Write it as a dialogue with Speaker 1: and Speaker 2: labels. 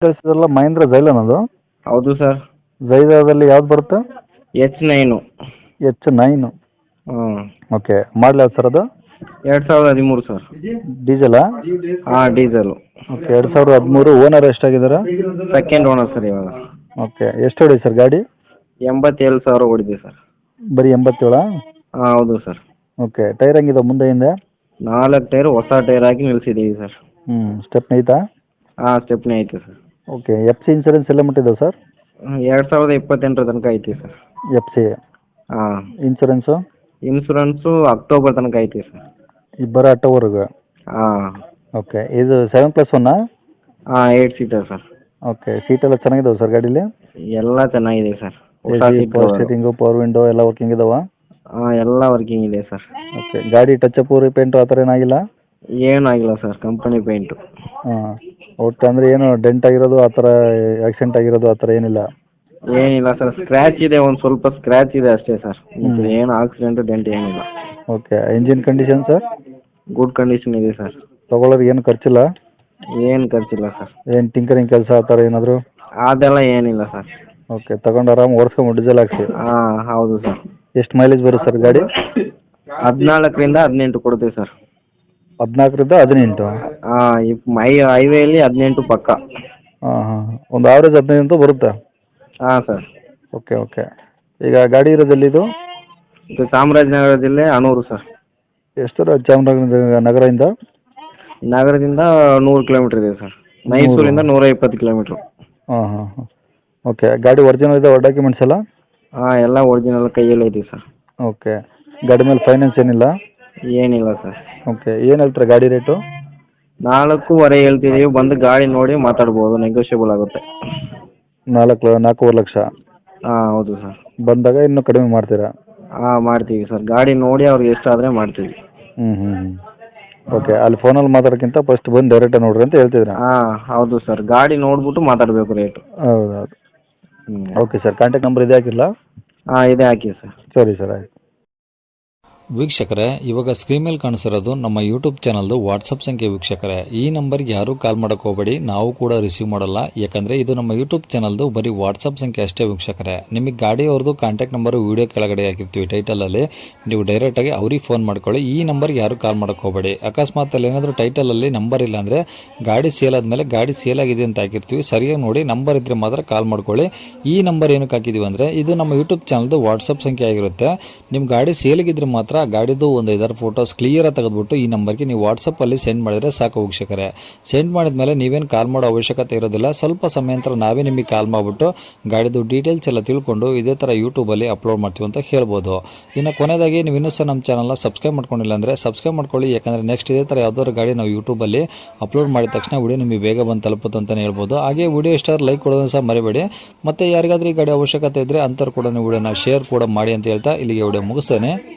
Speaker 1: ಕಳಿಸಿದ್ರಲ್ಲ ಮಹೇಂದ್ರ ಜೈಲನ್ ಅದು?
Speaker 2: ಹೌದು ಸರ್.
Speaker 1: ಜೈದಾದಲ್ಲಿ ಯಾವ್ದು ಬರುತ್ತೆ?
Speaker 2: H9.
Speaker 1: H9.
Speaker 2: ಹ್ಞೂ.
Speaker 1: ಓಕೆ, ಮಾಡಲ ಸರ್ ಅದು?
Speaker 2: 2013 ಸರ್.
Speaker 1: ಡೀಸೆಲಾ?
Speaker 2: ಹಾಂ, ಡೀಸೆಲು.
Speaker 1: ಓಕೆ, 2013. ಓನರ್ ಎಷ್ಟಾಗಿದ್ದಾರೆ?
Speaker 2: ಸೆಕೆಂಡ್ ಓನರ್ ಸರ್ ಇವಾಗ.
Speaker 1: ಓಕೆ, ಎಷ್ಟು ಹೊಡಿ ಸರ್ ಗಾಡಿ?
Speaker 2: 87,000 ಓಡಿದೆ ಸರ್.
Speaker 1: ಬರೀ 87?
Speaker 2: ಹಾಂ, ಹೌದು ಸರ್.
Speaker 1: ಓಕೆ, ಟೈರ್ ಹೆಂಗಿದೆ ಮುಂದೆ ಹಿಂದೆ?
Speaker 2: 4 ಟೈರ್ ಹೊಸ ಟೈರ್ ಹಾಕಿ ನಿಲ್ಲಿಸಿದ್ದೀವಿ ಸರ್.
Speaker 1: ಸ್ಟೆಪ್ನಿ ಐತಾ?
Speaker 2: ಹಾಂ, ಸ್ಟೆಪ್ನಿ ಐತೆ sir.
Speaker 1: Okay, F C insurance ಎಲ್ಲ ಮುಟ್ಟಿದೆ ಸರ್?
Speaker 2: 2028 ತನಕ ಐತಿ ಸರ್.
Speaker 1: F C?
Speaker 2: ಹಾಂ.
Speaker 1: ಇನ್ಸೂರೆನ್ಸು?
Speaker 2: ಇನ್ಸೂರೆನ್ಸು ಅಕ್ಟೋಬರ್ ತನಕ ಐತಿ ಸರ್.
Speaker 1: ಇಬ್ಬರ ಅಕ್ಟೋಬರ್ಗೆ?
Speaker 2: ಹಾಂ.
Speaker 1: ಓಕೆ, ಇದು 7+1?
Speaker 2: ಹಾಂ, 8 ಸೀಟರ್ ಸರ್.
Speaker 1: ಓಕೆ, ಸೀಟೆಲ್ಲ ಚೆನ್ನಾಗಿದಾವೆ ಸರ್ ಗಾಡೀಲಿ?
Speaker 2: ಎಲ್ಲ ಚೆನ್ನಾಗಿದೆ ಸರ್. ಹೊಸ seat
Speaker 1: power steering, power window ಎಲ್ಲ ವರ್ಕಿಂಗ್ ಇದಾವ?
Speaker 2: ಹಾಂ, ಎಲ್ಲ ವರ್ಕಿಂಗ್ ಇದೆ ಸರ್.
Speaker 1: ಓಕೆ, ಗಾಡಿ ಟಚ್ ರೀಪೇಂಟು ಆ ಥರ ಏನಾಗಿಲ್ಲ?
Speaker 2: ಏನಾಗಿಲ್ಲ ಸರ್, ಕಂಪನಿ ಪೇಂಟು.
Speaker 1: ಹಾಂ, ಒಟ್ಟು ಅಂದರೆ ಏನು ಡೆಂಟ್ ಆಗಿರೋದು ಆ ಥರ, ಆಕ್ಸಿಡೆಂಟ್ ಆಗಿರೋದು ಆ ಥರ ಏನಿಲ್ಲ?
Speaker 2: ಏನಿಲ್ಲ ಸರ್, ಸ್ಕ್ರ್ಯಾಚ್ ಇದೆ, ಒಂದು ಸ್ವಲ್ಪ ಸ್ಕ್ರ್ಯಾಚ್ ಇದೆ ಅಷ್ಟೇ ಸರ್. ಏನು ಆಕ್ಸಿಡೆಂಟು ಡೆಂಟ್ ಏನಿಲ್ಲ.
Speaker 1: Okay, engine condition sir?
Speaker 2: Good condition ಇದೆ ಸರ್.
Speaker 1: ತೊಗೊಳೋರಿಗೆ ಏನು ಖರ್ಚಿಲ್ಲ?
Speaker 2: ಏನು ಖರ್ಚಿಲ್ಲ ಸರ್.
Speaker 1: ಏನು ಟಿಂಕರಿಂಗ್ ಕೆಲಸ ಆ ಥರ ಏನಾದರೂ?
Speaker 2: ಅದೆಲ್ಲ ಏನಿಲ್ಲ ಸರ್.
Speaker 1: ಓಕೆ, ತಗೊಂಡು ಆರಾಮ್ ಓಡಿಸ್ಕೊಂಡು ಡೀಸೆಲ್ ಹಾಕ್ಸಿ?
Speaker 2: ಹಾಂ, ಹೌದು ಸರ್.
Speaker 1: ಎಷ್ಟು ಮೈಲೇಜ್ ಬರುತ್ತೆ ಸರ್ ಗಾಡಿ?
Speaker 2: 14ರಿಂದ 18 ಕೊಡುತ್ತೆ ಸರ್.
Speaker 1: 14ರಿಂದ 18?
Speaker 2: ಹಾಂ, ಹೈವೇಲಿ 18 ಪಕ್ಕ.
Speaker 1: ಹಾಂ ಹಾಂ, ಒಂದು ಆವ್ರೇಜ್ 15 ಅಂತೂ ಬರುತ್ತೆ?
Speaker 2: ಹಾಂ ಸರ್.
Speaker 1: ಓಕೆ ಓಕೆ, ಈಗ ಗಾಡಿ ಇರೋದೆಲ್ಲಿದು?
Speaker 2: ಇದು ಚಾಮರಾಜನಗರ ಜಿಲ್ಲೆ ಅಣೂರು ಸರ್.
Speaker 1: ಎಷ್ಟು ದೂರ ಚಾಮರಾಜನಗರ ನಗರದಿಂದ?
Speaker 2: ನಗರದಿಂದ 100 ಕಿಲೋಮೀಟ್ರ್ ಇದೆ ಸರ್. ಮೈಸೂರಿಂದ 120 ಕಿಲೋಮೀಟ್ರು.
Speaker 1: ಹಾಂ ಹಾಂ ಹಾಂ. ಓಕೆ, ಗಾಡಿ ಒರಿಜಿನಲ್ ಇದೆ ಡಾಕ್ಯುಮೆಂಟ್ಸ್ ಎಲ್ಲ?
Speaker 2: ಹಾಂ, ಎಲ್ಲ ಒರಿಜಿನಲ್ ಕೈಯಲ್ಲೇ ಇದೆ ಸರ್.
Speaker 1: ಓಕೆ, ಗಾಡಿ ಮೇಲೆ ಫೈನಾನ್ಸ್ ಏನಿಲ್ಲ?
Speaker 2: ಏನಿಲ್ಲ ಸರ್.
Speaker 1: ಓಕೆ, ಏನು ಹೇಳ್ತಾರೆ ಗಾಡಿ ರೇಟು?
Speaker 2: 4.25 ಹೇಳ್ತಿದ್ದೀವಿ, ಬಂದು ಗಾಡಿ ನೋಡಿ ಮಾತಾಡ್ಬೋದು, ನೆಗೋಷಿಯಬಲ್ ಆಗುತ್ತೆ.
Speaker 1: 4.25 ಲಕ್ಷ?
Speaker 2: ಹಾಂ, ಹೌದು ಸರ್.
Speaker 1: ಬಂದಾಗ ಇನ್ನೂ ಕಡಿಮೆ ಮಾಡ್ತೀರಾ?
Speaker 2: ಹಾಂ, ಮಾಡ್ತೀವಿ ಸರ್. ಗಾಡಿ ನೋಡಿ ಅವ್ರಿಗೆ ಎಷ್ಟು ಆದರೆ ಮಾಡ್ತೀವಿ.
Speaker 1: ಓಕೆ, ಅಲ್ಲಿ ಫೋನಲ್ಲಿ ಮಾತಾಡೋಕ್ಕಿಂತ ಫಸ್ಟ್ ಬಂದು ಡೈರೆಕ್ಟಾಗಿ ನೋಡ್ರಿ ಅಂತ ಹೇಳ್ತಿದ್ರಾ?
Speaker 2: ಹಾಂ, ಹೌದು ಸರ್. ಗಾಡಿ ನೋಡ್ಬಿಟ್ಟು ಮಾತಾಡಬೇಕು ರೇಟು.
Speaker 1: ಹೌದೌದು. ಓಕೆ ಸರ್, ಕಾಂಟ್ಯಾಕ್ಟ್ ನಂಬರ್ ಇದೆ ಹಾಕಿಲ್ಲ?
Speaker 2: ಹಾಂ, ಇದೆ ಹಾಕಿ ಸರ್.
Speaker 1: ಸರಿ ಸರ್, ಆಯ್ತು.
Speaker 3: ವೀಕ್ಷಕರೇ, ಇವಾಗ ಸ್ಕ್ರೀನ್ ಮೇಲೆ ಕಾಣಿಸಿರೋದು ನಮ್ಮ ಯೂಟ್ಯೂಬ್ ಚಾನಲ್ದು ವಾಟ್ಸಪ್ ಸಂಖ್ಯೆ. ವೀಕ್ಷಕರೇ, ಈ ನಂಬರ್ಗೆ ಯಾರೂ ಕಾಲ್ ಮಾಡೋಕೆ ಹೋಗಬೇಡಿ, ನಾವು ಕೂಡ ರಿಸೀವ್ ಮಾಡಲ್ಲ. ಯಾಕಂದರೆ ಇದು ನಮ್ಮ ಯೂಟ್ಯೂಬ್ ಚಾನಲ್ದು ಬರೀ ವಾಟ್ಸಪ್ ಸಂಖ್ಯೆ ಅಷ್ಟೇ. ವೀಕ್ಷಕರೇ, ನಿಮಗೆ ಗಾಡಿಯವ್ರದ್ದು ಕಾಂಟ್ಯಾಕ್ಟ್ ನಂಬರು ವೀಡಿಯೋ ಕೆಳಗಡೆ ಹಾಕಿರ್ತೀವಿ ಟೈಟಲಲ್ಲಿ, ನೀವು ಡೈರೆಕ್ಟಾಗಿ ಅವ್ರಿಗೆ ಫೋನ್ ಮಾಡ್ಕೊಳ್ಳಿ. ಈ ನಂಬರ್ಗೆ ಯಾರೂ ಕಾಲ್ ಮಾಡೋಕೆ ಹೋಗಬೇಡಿ. ಅಕಸ್ಮಾತ್ ಅಲ್ಲಿ ಏನಾದರೂ ಟೈಟಲಲ್ಲಿ ನಂಬರ್ ಇಲ್ಲ ಅಂದರೆ ಗಾಡಿ ಸೇಲ್ ಆದಮೇಲೆ ಗಾಡಿ ಸೇಲ್ ಆಗಿದೆ ಅಂತ ಹಾಕಿರ್ತೀವಿ, ಸರಿಯಾಗಿ ನೋಡಿ ನಂಬರ್ ಇದ್ದರೆ ಮಾತ್ರ ಕಾಲ್ ಮಾಡ್ಕೊಳ್ಳಿ. ಈ ನಂಬರ್ ಏನಕ್ಕೆ ಹಾಕಿದ್ದೀವಿ ಅಂದರೆ ಇದು ನಮ್ಮ ಯೂಟ್ಯೂಬ್ ಚಾನಲ್ದು ವಾಟ್ಸಪ್ ಸಂಖ್ಯೆ ಆಗಿರುತ್ತೆ. ನಿಮ್ಮ ಗಾಡಿ ಸೇಲಿಗಿದ್ರೆ ಮಾತ್ರ ಗಾಡಿದು ಒಂದು 5 ಫೋಟೋಸ್ ಕ್ಲಿಯರಾಗಿ ತೆಗೆದುಬಿಟ್ಟು ಈ ನಂಬರ್ಗೆ ನೀವು ವಾಟ್ಸಪ್ಪಲ್ಲಿ ಸೆಂಡ್ ಮಾಡಿದರೆ ಸಾಕು. ವೀಕ್ಷಕರೇ, ಸೆಂಡ್ ಮಾಡಿದ ಮೇಲೆ ನೀವೇನು ಕಾಲ್ ಮಾಡೋ ಅವಶ್ಯಕತೆ ಇರೋದಿಲ್ಲ. ಸ್ವಲ್ಪ ಸಮಯ ನಂತರ ನಾವೇ ನಿಮಗೆ ಕಾಲ್ ಮಾಡಿಬಿಟ್ಟು ಗಾಡಿದು ಡೀಟೇಲ್ಸ್ ಎಲ್ಲ ತಿಳ್ಕೊಂಡು ಇದೇ ಥರ ಯೂಟ್ಯೂಬಲ್ಲಿ ಅಪ್ಲೋಡ್ ಮಾಡ್ತೀವಿ ಅಂತ ಹೇಳ್ಬೋದು. ಇನ್ನು ಕೊನೆಯದಾಗಿ ನೀವು ಇನ್ನೂ ಸಹ ನಮ್ಮ ಚಾನಲ್ನ ಸಬ್ಸ್ಕ್ರೈಬ್ ಮಾಡ್ಕೊಂಡಿಲ್ಲ ಅಂದರೆ ಸಬ್ಸ್ಕ್ರೈಬ್ ಮಾಡ್ಕೊಳ್ಳಿ. ಯಾಕಂದರೆ ನೆಕ್ಸ್ಟ್ ಇದೇ ಥರ ಯಾವುದಾದ್ರು ಗಾಡಿ ನಾವು ಯೂಟ್ಯೂಬಲ್ಲಿ ಅಪ್ಲೋಡ್ ಮಾಡಿದ ತಕ್ಷಣ ವಿಡಿಯೋ ನಿಮಗೆ ಬೇಗ ಬಂದು ತಲುಪುತ್ತೆ ಅಂತಲೇ ಹೇಳ್ಬೋದು. ಹಾಗೆ ವಿಡಿಯೋ ಇಷ್ಟ ಲೈಕ್ ಕೊಡೋದನ್ನು ಸಹ ಮರಿಬೇಡಿ. ಮತ್ತು ಯಾರಿಗಾದ್ರೂ ಈ ಗಾಡಿ ಅವಶ್ಯಕತೆ ಇದ್ದರೆ ಅಂಥವ್ರು ಕೂಡ ನೀವು ವಿಡಿಯೋನ ಶೇರ್ ಕೂಡ ಮಾಡಿ ಅಂತ ಹೇಳ್ತಾ ಇಲ್ಲಿಗೆ ವಿಡಿಯೋ ಮುಗಿಸ್ತೇನೆ.